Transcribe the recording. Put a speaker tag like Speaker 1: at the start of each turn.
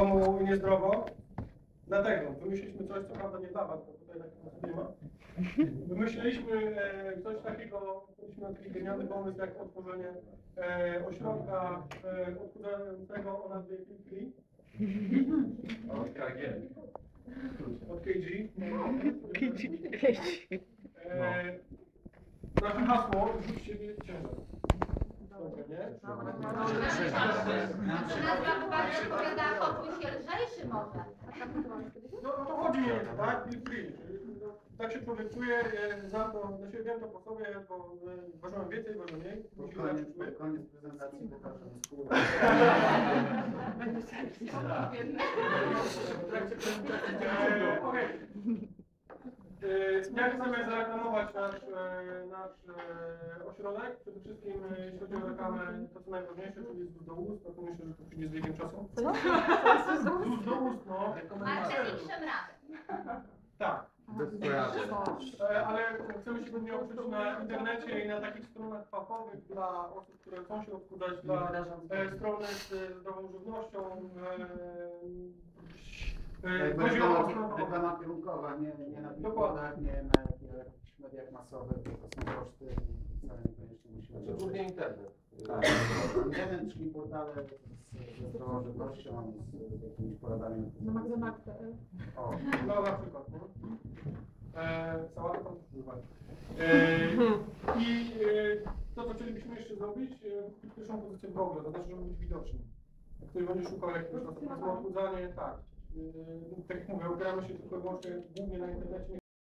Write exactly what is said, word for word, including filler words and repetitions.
Speaker 1: domu niezdrowo. Dlatego wymyśliliśmy coś, co prawda nie dla was, bo tutaj takiego nie ma. Wymyśliliśmy e, coś takiego, mieliśmy taki genialny pomysł jak otworzenie e, ośrodka e, odchudzającego o nazwie Free. Od K G. Od K G. E, nasze hasło, rzuć siebie ciężar. Dobra, nie?
Speaker 2: Nazwa chyba się odpowiada, poczuj się lżejszy może.
Speaker 1: No, no to chodzi nie, tak? Feel free. Tak się człowiek czuje, e, znam to, na siebie wiem to po sobie, bo e, ważyłem więcej, ważyłem mniej.
Speaker 3: Pod koniec, pod koniec prezentacji pokażę skórę.
Speaker 1: E, Okej. E, Jak chcemy zareklamować nasz, e, nasz e, ośrodek? Przede wszystkim, e, jeśli chodzi o reklamę, to co najważniejsze, czyli z ust do ust, to myślę, że to przyjdzie z wiekiem czasu. Z ust do ust, no.
Speaker 2: Marketing szemrany.
Speaker 1: Tak.
Speaker 3: Bez kojarzeń.
Speaker 1: E, Ale chcemy się pewnie oprzeć na internecie i na takich stronach fachowych dla osób, które chcą się odchudzać, dla e, strony z e, zdrową żywnością. E, e, chodzi o
Speaker 3: Reklama,
Speaker 1: stronę
Speaker 3: reklama kierunkowa, nie, nie na billboardach, nie na jakichś mediach masowych, bo to są koszty i wcale niekoniecznie musimy...
Speaker 4: Znaczy głównie internet.
Speaker 3: Tak, internet, czyli portale z, ze zdrową żywnością, z, z jakimiś poradami.
Speaker 5: Na McDonald's.
Speaker 3: O,
Speaker 1: No na przykład, nie? E, sałatę tam też używali. E, I e, to, co chcielibyśmy jeszcze zrobić, e, pierwszą pozycję w Google, to znaczy, żeby być widoczni. Jak ktoś będzie szukał jakiegoś na odchudzanie, tak. E, tak jak mówię, opieramy się tylko i wyłącznie głównie na internecie.